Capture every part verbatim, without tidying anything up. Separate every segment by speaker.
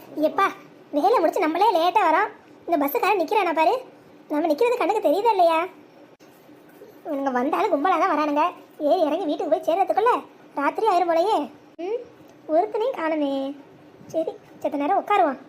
Speaker 1: எப்பா வேலை முடிச்சு நம்மளே லேட்டாக வரோம். இந்த பஸ்ஸுக்காரன் நிற்கிறானா பாரு. நம்ம நிற்கிறது கண்ணுக்கு தெரியுதா இல்லையா? இவங்க வந்தாலும் கும்பலாக தான் வரானுங்க. ஏறி இறங்கி வீட்டுக்கு போய் சேர்றதுக்குள்ள ராத்திரி ஆயிரம் போலையே. ம் ஒருத்தனையும் காணுமே. சரி செத்த நேரம் உட்காருவான்.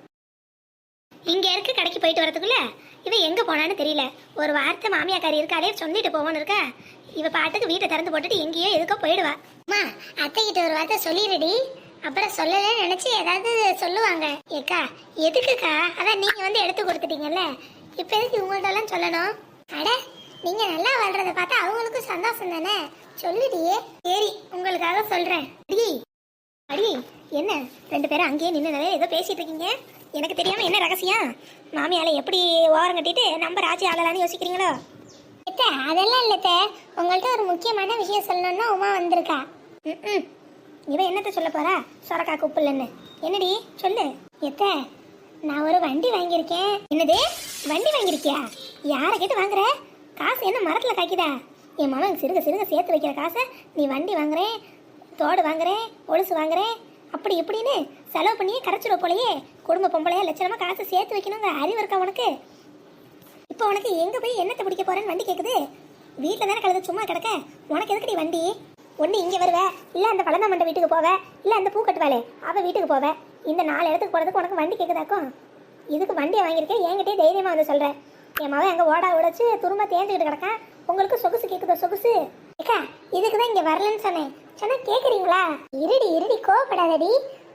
Speaker 1: இங்கே இருக்க கடைக்கு போயிட்டு வரதுக்குள்ள இவன் எங்கே போனான்னு தெரியல. ஒரு வார்த்தை மாமியாக்காரி இருக்காளே சொல்லிட்டு போவோன்னு இருக்கா. இவ பாட்டுக்கு வீட்டை திறந்து போட்டுட்டு எங்கேயோ எதுக்கோ போயிடுவா. அம்மா அத்தை கிட்ட ஒரு வார்த்தை சொல்லிடுடி. அப்புறம் சொல்லலன்னு நினைச்சு ஏதாவது சொல்லுவாங்க. ஏக்கா எதுக்குக்கா? அதான் நீங்க வந்து எடுத்து கொடுத்துட்டீங்கல்ல, இப்ப எதுக்கு உங்கள்ட்ட எல்லாம் சொல்லணும்? அட நீங்க நல்லா வாழ்றத பார்த்தா அவங்களுக்கும் சந்தோஷம் தானே, சொல்லுடியே. சரி உங்களுக்காக சொல்றேன். அடி அடி என்ன ரெண்டு பேரும் அங்கேயே நின்று ஏதோ பேசிட்டு இருக்கீங்க? எனக்கு தெரியாம என்ன ரகசியம்? மாமியால எப்படி ஓரம் கட்டிட்டு நம்ம ராஜி ஆகலான்னு யோசிக்கிறீங்களோ? அதெல்லாம் இல்லத்த, உங்கள்கிட்ட ஒரு முக்கியமான விஷயம் சொல்லணும்னா உமா வந்திருக்கா. ம் இவன் என்னத்த சொல்ல போறா? சொரக்கா குப்புலன்னு. என்னடி சொல்லு. எத்த நான் ஒரு வண்டி வாங்கியிருக்கேன். என்னது வண்டி வாங்கியிருக்கியா? யாரை கேட்டு வாங்குற? காசு என்ன மரத்துல காய்க்குதா? என் மாமன் சிறுக சிறுக சேர்த்து வைக்கிற காசை நீ வண்டி வாங்குறேன், தோடு வாங்குறேன், ஒழுசு வாங்குறேன், அப்படி இப்படின்னு செலவு பண்ணியே கரைச்சிட போலையே. குடும்ப பொம்பளையா லட்சணமா காசு சேர்த்து வைக்கணுங்க அறிவு இருக்கா உனக்கு? இப்போ உனக்கு எங்க போய் என்னத்தை பிடிக்க போறேன்னு வண்டி கேக்குது? வீட்டில் தானே கழுத சும்மா கிடக்க, உனக்கு எதுக்கடி வண்டி? ஒன்று இங்கே வருவ, இல்லை அந்த பழந்தாமண்ட வீட்டுக்கு போவ, இல்லை அந்த பூ கட்டுவாளே அவள் வீட்டுக்கு போவ. இந்த நாலு இடத்துக்கு போகிறதுக்கு உனக்கு வண்டி கேட்குதாக்கும்? இதுக்கு வண்டியை வாங்கியிருக்கேன், என்கிட்டயே தைரியமாக வந்து சொல்கிறேன். என் மகன் எங்கள் ஓடா உடைச்சு துரும்ப தேர்ந்துக்கிட்டு கிடக்கான். உங்களுக்கு சொகுசு கேட்குதோ சொகுசு? ஏக்கா இதுக்கு தான் இங்கே வரலன்னு சொன்னேன். சொன்னால் கேட்குறீங்களா? இருடி இருடி கோவப்படாதடி.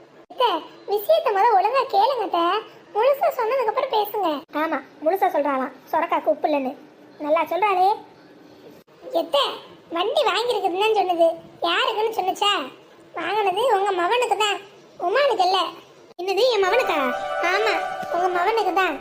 Speaker 1: விஷயத்த முதல் ஒழுங்கா கேளுங்கட்ட, முழுசா சொன்னதுக்கு அப்புறம் பேசுங்க. ஆமா முழுசா சொல்றாளாம், சொரக்காக்கு உப்பு இல்லைன்னு. நல்லா சொல்றாளே. எத்த வண்டி வாங்கியிருக்குதுன்னு சொன்னது யாருக்குன்னு சொன்னுச்சா? வாங்கினது உங்க மவனுக்கு தான், உமானுக்கு இல்ல. என்னது என் மவனுக்கா? ஆமா உங்க மவனுக்கு தான்.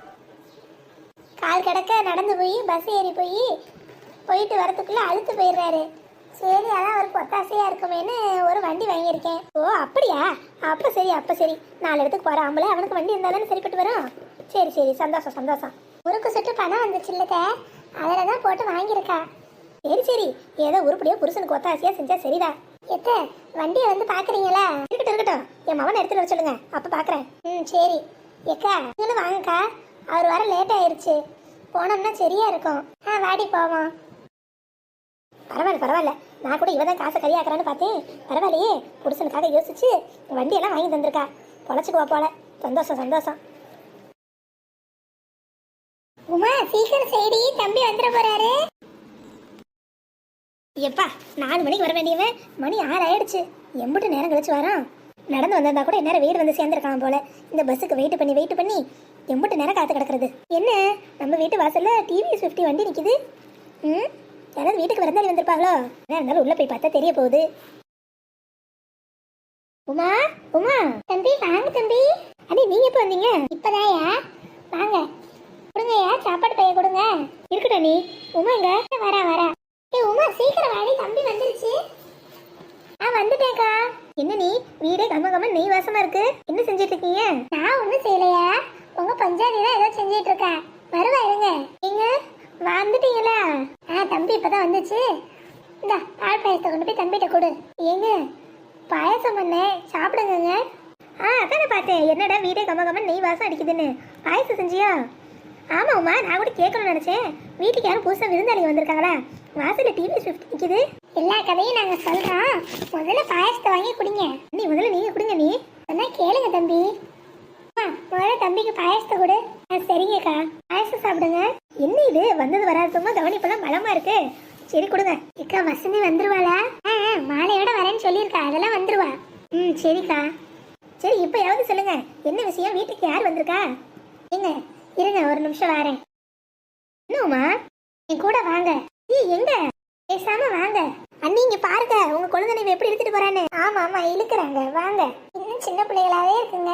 Speaker 1: கால் கிடக்க நடந்து போய் பஸ் ஏறி போய் போயிட்டு வரதுக்குள்ள அழுத்து போயிடுறாரு. சரி அதான் அவருக்கு ஒத்தாசையா இருக்குமேன்னு ஒரு வண்டி வாங்கியிருக்கேன். ஓ அப்படியா? அப்ப சரி அப்ப சரி நாலு இடத்துக்கு போற ஆம்பளை அவனுக்கு வண்டி இருந்தாலும் சரிப்பட்டு வரும். சரி சரி சந்தோஷம் சந்தோஷம். முறுக்கு சுட்டு பணம் வந்துச்சு இல்லக்க, அதில் தான் போட்டு வாங்கியிருக்கா. சரி சரி ஏதோ உருப்படியா புருஷனுக்கு ஒத்தாசையா செஞ்சா சரிதா. எத்த வண்டியை வந்து பாக்குறீங்களா? இருக்கட்டும் இருக்கட்டும், என் மவனை எடுத்துட்டு வர சொல்லுங்க, அப்ப பாக்குறேன். ம் சரி எக்கா நீங்களும் வாங்கக்கா, அவர் வர லேட் ஆயிருச்சு, போனோம்னா சரியா இருக்கும். ஆ வாடி போவோம். பரவாயில்ல பரவாயில்ல, நான் கூட இவதான் காசை கரியாக்குறான்னு பார்த்தேன். பரவாயில்லையே புருஷனுக்காக யோசிச்சு வண்டியெல்லாம் வாங்கி தந்திருக்கா. பொழைச்சுக்குவா போல. சந்தோஷம் சந்தோஷம். உமா சீக்கிரம் செய்டி, தம்பி வந்துட போறாரு. எப்பா நாலு மணிக்கு வர வேண்டியவன் மணி ஆறு ஆயிடுச்சு. எம்பிட்டு நேரம் கழிச்சு வரான். நடந்து வந்திருந்தா கூட நேரம் வீடு வந்து சேர்ந்துருக்கான் போல. இந்த பஸ்ஸுக்கு வெயிட் பண்ணி வெயிட் பண்ணி எம்பிட்டு நேரம் காத்து கிடக்குறது. என்ன நம்ம வீட்டு வாசல்ல டிவிஎஸ் ஃபிஃப்டி வண்டி நிக்குது. ம் யாராவது வீட்டுக்கு விருந்தாளி வந்திருப்பாங்களோ? அதான் இருந்தாலும் உள்ள போய் பார்த்தா தெரிய போகுது. உமா உமா தம்பி வாங்க தம்பி. அண்ணி நீங்க எப்போ வந்தீங்க? இப்பதாயா. வாங்க கொடுங்கய்யா, சாப்பாடு பைய கொடுங்க. இருக்கட்டும் நீ. உமா இங்க வரா வரா. ஏ உமா சீக்கிரம் வாடி, தம்பி வந்துருச்சு. ஆ வந்துட்டேக்கா. என்ன நீ வீடே கம்ம கம்ம நெய் வாசமா இருக்கு, என்ன செஞ்சிட்டு இருக்கீங்க? நான் ஒன்றும் செய்யலையா, உங்க பஞ்சாதி தான் ஏதோ செஞ்சிட்டு இருக்கேன். வருவா இருங்க. எங்க வந்துட்டீங்களா? ஆ தம்பி இப்பதான் வந்துச்சு. இந்த பால் பாயசத்தை கொண்டு போய் தம்பிகிட்ட கொடு. ஏங்க பாயசம் பண்ணேன், சாப்பிடுங்க. ஆ அதானே பார்த்தேன், என்னடா வீடே கம்ம கம்ம நெய் வாசம் அடிக்குதுன்னு. பாயசம் செஞ்சியா? ஆமாம்மா நான் கூட கேட்கணும்னு நினச்சேன். வீட்டுக்கு யாரும் புதுசாக விருந்தாளிங்க வந்திருக்காங்களா? வாசலில் டிவி ஷிஃப்ட் நிற்கிது. எல்லா கதையும் நாங்கள் சொல்கிறோம், முதல்ல பாயசத்தை வாங்கி குடிங்க. நீ முதல்ல நீங்கள் குடிங்க. நீ சொன்னா கேளுங்க தம்பி. ஆ முதல்ல தம்பிக்கு பாயசத்தை கொடு. ஆ சரிங்கக்கா, பாயசம் சாப்பிடுங்க. என்ன இது வந்தது வராதுமா கவனிப்பெல்லாம் பலமா இருக்கு. சரி கொடுங்க. அக்கா வசந்தி வந்துருவாளா? ஆ மாலையோட வரேன்னு சொல்லியிருக்கா, அதெல்லாம் வந்துருவா. ம் சரிக்கா. சரி இப்போ யாவது சொல்லுங்க, என்ன விஷயம்? வீட்டுக்கு யார் வந்திருக்கா? ஏங்க இருங்க ஒரு நிமிஷம் வரேன். என்னம்மா என் கூட வாங்க. ஏ எங்க பேசாம வாங்க. அண்ணி இங்க பாருங்க உங்க குழந்தை எப்படி எடுத்துட்டு போறான்னு. ஆமா ஆமா இழுக்கிறாங்க, வாங்க. இன்னும் சின்ன பிள்ளைகளாவே இருக்குங்க.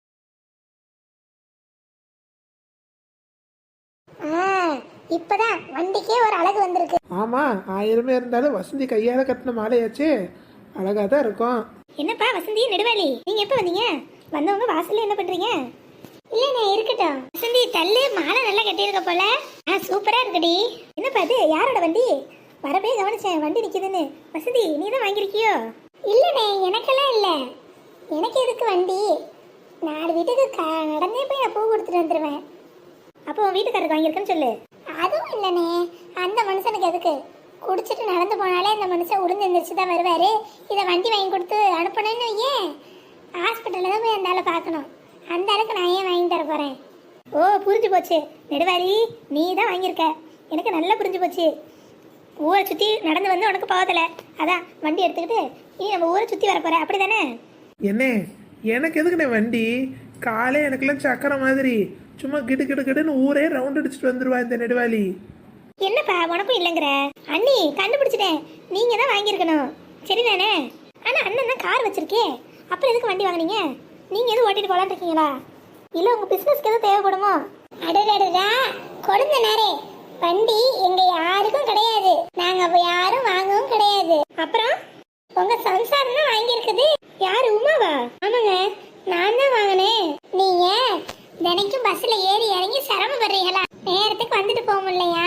Speaker 1: ஆ இப்பதான் வண்டிக்கே ஒரு அழகு வந்திருக்கு.
Speaker 2: ஆமா ஆயிரமே இருந்தாலும் வசந்தி கையால கட்டின மாலையாச்சு, அழகா தான் இருக்கும்.
Speaker 1: என்னப்பா வசந்தி நெடுவாளி, நீங்க எப்ப வந்தீங்க? வந்தவங்க வாசல்ல என்ன பண்றீங்க? இல்லண்ணே இருக்கட்டும். வசந்தி தள்ளு, மாலை நல்லா கட்டியிருக்க போல. ஆ சூப்பரா இருக்குடி. என்னப்பா அது யாரோட வண்டி? வரவே கவனிச்சேன் வண்டி நிக்குதுன்னு. வசந்தி நீ தான் வாங்கியிருக்கியோ? இல்லண்ணே எனக்கெல்லாம் இல்லை. எனக்கு எதுக்கு வண்டி? நாலு வீட்டுக்கு க நடந்தே போய் நான் பூ கொடுத்துட்டு வந்துடுவேன்.
Speaker 3: அப்போ உன் வீட்டுக்காரருக்கு வாங்கியிருக்கேன்னு சொல்லு.
Speaker 1: அதுவும் இல்லைண்ணே, அந்த மனுஷனுக்கு எதுக்கு? குடிச்சிட்டு நடந்து போனாலே அந்த மனுஷன் உளுந்து எந்திரிச்சு தான் வருவார். இதை வண்டி வாங்கி கொடுத்து அனுப்பணும்னு ஏன் ஹாஸ்பிட்டலில் தான் போய் அந்த ஆளை பார்க்கணும். அந்த ஆளுக்கு நான் ஏன் வாங்கி தர போகிறேன்?
Speaker 3: ஓ புரிஞ்சு போச்சு நெடுவாளி, நீ தான் வாங்கியிருக்க. எனக்கு நல்லா புரிஞ்சு போச்சு. ஊரை சுற்றி நடந்து வந்து உனக்கு போகலை, அதான் வண்டி எடுத்துக்கிட்டு இனி நம்ம ஊரை சுற்றி வர போகிற, அப்படி தானே?
Speaker 2: என்ன எனக்கு எதுக்குண்ணே வண்டி? காலே எனக்குலாம் சக்கரை மாதிரி சும்மா கிடு கிடு கிடுன்னு ஊரே ரவுண்ட் அடிச்சுட்டு வந்துருவா இந்த நெடுவாளி.
Speaker 3: என்னப்பா உனக்கும் இல்லைங்கிற? அண்ணி கண்டுபிடிச்சிட்டேன், நீங்கள் தான் வாங்கியிருக்கணும். சரிதானே? ஆனால் அண்ணன் தான் கார் வச்சிருக்கே, அப்புறம் எதுக்கு வண்டி வாங்கினீங்க? நீங்கள் எதுவும் ஓட்டிட்டு போகலான்னு இருக்கீங்களா? இல்லை உங்கள் பிஸ்னஸ்க்கு எதுவும் தேவைப்படுமோ?
Speaker 1: அடடடா கொடுங்க நேரே, வண்டி எங்க யாருக்கும் கிடையாது. நாங்க அப்ப யாரும் வாங்கவும் கிடையாது.
Speaker 3: அப்புறம்
Speaker 1: உங்க சம்சாரம் தான் வாங்கியிருக்குது.
Speaker 3: யாரு, உமாவா?
Speaker 1: ஆமாங்க, நான் தான் வாங்கினேன். நீங்க தினைக்கும் பஸ்ல ஏறி இறங்கி சிரமப்படுறீங்களா? நேரத்துக்கு வந்துட்டு போக முடியலையா?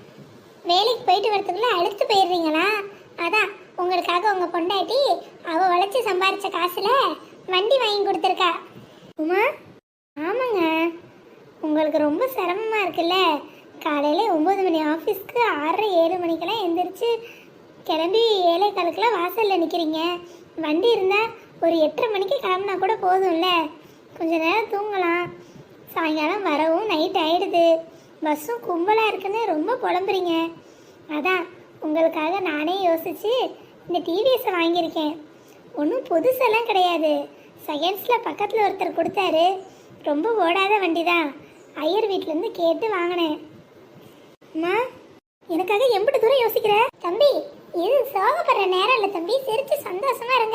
Speaker 1: வேலைக்கு போயிட்டு வரதுக்குள்ள அழுத்து போயிடுறீங்களா? அதான் உங்களுக்காக உங்க பொண்டாட்டி அவ உழைச்சி சம்பாரிச்ச காசுல வண்டி வாங்கி கொடுத்துருக்கா.
Speaker 3: உமா,
Speaker 1: ஆமாங்க, உங்களுக்கு ரொம்ப சிரமமா இருக்குல்ல? காலையில ஒன்பது மணி ஆஃபீஸ்க்கு ஆறரை ஏழு மணிக்கெல்லாம் எந்திரிச்சு கிளம்பி ஏழை காலுக்கெல்லாம் வாசலில் நிற்கிறீங்க. வண்டி இருந்தால் ஒரு எட்டரை மணிக்கு கிளம்புனா கூட போதும்ல, கொஞ்ச நேரம் தூங்கலாம். சாயங்காலம் வரவும் நைட் ஆகிடுது, பஸ்ஸும் கும்பலாக இருக்குன்னு ரொம்ப புலம்புறீங்க. அதான் உங்களுக்காக நானே யோசித்து இந்த டிவிஎஸை வாங்கியிருக்கேன். ஒன்றும் புதுசெல்லாம் கிடையாது, செகண்ட்ஸில் பக்கத்தில் ஒருத்தர் கொடுத்தாரு. ரொம்ப ஓடாத வண்டி தான், ஐயர் வீட்டிலேருந்து கேட்டு வாங்கினேன்.
Speaker 3: அம்மா எனக்காக எம்பிட்டு தூரம் யோசிக்கிற?
Speaker 1: தம்பி, இது சோகப்படுற நேரம் இல்லை தம்பி, சிரிச்சு சந்தோஷமா இருங்க.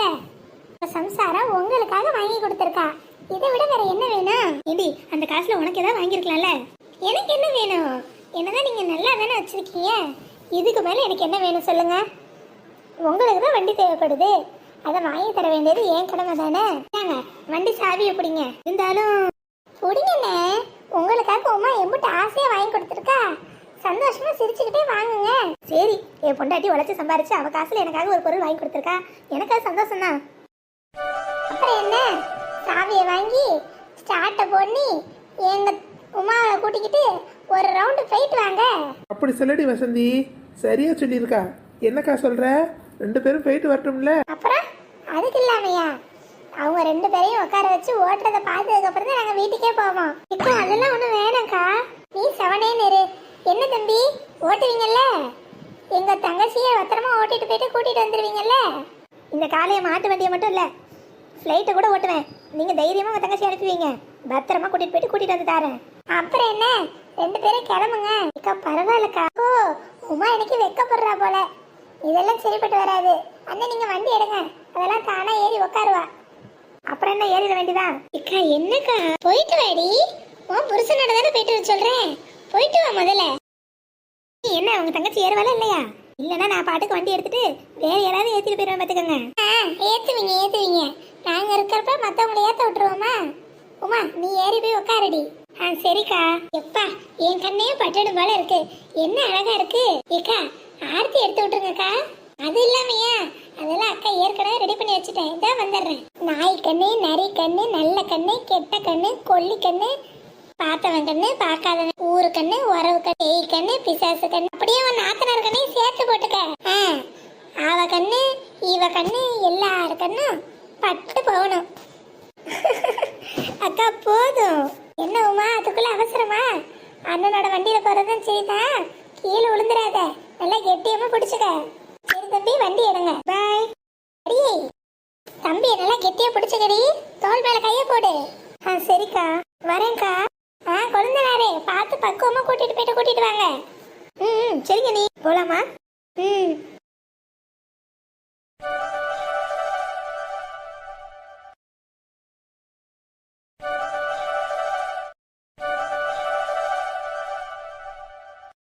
Speaker 1: சம்சாரம் உங்களுக்காக வாங்கி கொடுத்துருக்கா, இதை விட வேற என்ன வேணும்?
Speaker 3: ஏண்டி அந்த காசுல உனக்கு ஏதாவது வாங்கியிருக்கலாம்ல?
Speaker 1: எனக்கு என்ன வேணும்? என்னதான் நீங்க நல்லா தானே வச்சிருக்கீங்க,
Speaker 3: இதுக்கு மேல எனக்கு என்ன வேணும் சொல்லுங்க?
Speaker 1: உங்களுக்கு தான் வண்டி தேவைப்படுது, அதை வாங்கி தர வேண்டியது ஏன் கடமை தானே.
Speaker 3: ஏங்க வண்டி சாவி எப்படிங்க? இருந்தாலும்
Speaker 1: பிடிங்கண்ணே, உங்களுக்காக உமா எம்பிட்டு ஆசையா வாங்கி கொடுத்துருக்கா, சந்தோஷமா சிரிச்சுக்கிட்டே வாங்குங்க.
Speaker 3: சரி, என் பொண்டாட்டி உழைச்சி சம்பாரிச்சு அவ காசுல எனக்காக ஒரு பொருள் வாங்கி கொடுத்துருக்கா, எனக்கு அது சந்தோஷம் தான்.
Speaker 1: அப்புறம் என்ன, சாவியை வாங்கி ஸ்டார்ட்டை பண்ணி எங்க உமாவை கூட்டிக்கிட்டு ஒரு ரவுண்டு போயிட்டு வாங்க.
Speaker 2: அப்படி சொல்லடி வசந்தி, சரியா சொல்லியிருக்கா. என்னக்கா சொல்ற? ரெண்டு பேரும் போயிட்டு வரட்டும்ல?
Speaker 1: அப்புறம் அதுக்கு இல்லாமையா, அவங்க ரெண்டு பேரையும் உட்கார வச்சு ஓட்டுறதை பார்த்ததுக்கு அப்புறம் தான் நாங்கள் வீட்டுக்கே போவோம். இப்போ அதெல்லாம் ஒன்றும் வேணாம்க்கா, நீ செவனேன்னு இரு. என்ன தம்பி, ஓட்டுவீங்கல்ல? எங்க தங்கச்சியை பத்திரமா ஓட்டிட்டு போயிட்டு கூட்டிட்டு வந்துடுவீங்கல்ல?
Speaker 3: இந்த காலையை மாட்டு வண்டியை மட்டும் இல்லை, ஃப்ளைட்டை கூட ஓட்டுவேன். நீங்க தைரியமா உங்க தங்கச்சி அனுப்புவீங்க, பத்திரமா கூட்டிட்டு போயிட்டு கூட்டிட்டு வந்து தரேன்.
Speaker 1: அப்புறம் என்ன, ரெண்டு பேரும் கிளம்புங்க. அக்கா பரவாயில்லக்கா. ஓ, உமா எனக்கு வெக்கப்படுறா போல, இதெல்லாம் சரிப்பட்டு வராது. அண்ணன் நீங்க வண்டி எடுங்க, அதெல்லாம் தானா ஏறி உட்காருவா.
Speaker 3: அப்புறம் என்ன, ஏறிட வேண்டியதான்.
Speaker 1: அக்கா என்னக்கா, போயிட்டு வாடி, உன் புருஷனோட தானே போயிட்டு வர சொல்றேன், போயிட்டு வா முதல்ல.
Speaker 3: நீ என்ன உங்க தங்கச்சி ஏறுவாளா இல்லையா? இல்லைன்னா நான் பாட்டுக்கு வண்டி எடுத்துட்டு வேற யாராவது ஏற்றிட்டு போயிடுவேன் பார்த்துக்கோங்க.
Speaker 1: ஆ ஏற்றுவீங்க ஏற்றுவீங்க, நாங்கள் இருக்கிறப்ப மற்றவங்களை ஏற்ற விட்டுருவோமா? உமா நீ ஏறி போய் உட்காரடி. ஆ சரிக்கா. எப்பா என் கண்ணையும் பட்டடும் போல இருக்கு, என்ன அழகா இருக்கு. ஏக்கா ஆர்த்தி எடுத்து விட்டுருங்கக்கா. அது இல்லாமையா, அதெல்லாம் அக்கா ஏற்கனவே ரெடி பண்ணி வச்சுட்டேன், இதான் வந்துடுறேன். நாய் கண்ணு, நரி கண்ணு, நல்ல கண்ணு, கெட்ட கண்ணு, கொல்லி கண்ணு, பார்த்தவன் கண்ணு, பார்க்காதவன், ஊரு கண்ணு, உறவு கண்ணு, பேய் கண்ணு, பிசாசு கண்ணு, அப்படியே உன் நாத்தனார் கண்ணையும் சேர்த்து போட்டுக்க. ஆ அவ கண்ணு இவ கண்ணு எல்லாரு கண்ணும் பட்டு போகணும். அக்கா போதும். என்ன உமா அதுக்குள்ள அவசரமா? அண்ணனோட வண்டியில போறதும் சரிதான், கீழே விழுந்துடாத, நல்லா கெட்டியமா பிடிச்சுக்க. சரி தம்பி, வண்டி எடுங்க. பாய். அடியே தம்பி, நல்லா கெட்டியா பிடிச்சுக்கடி, தோல் மேல கைய போடு. ஆ சரிக்கா, வரேன்க்கா. ஆ குழந்தைனாரே பார்த்து பக்குவமா கூட்டிட்டு போயிட்டு கூட்டிட்டு வாங்க.
Speaker 3: ம் சரிங்க, நீ போலாமா?
Speaker 1: ம்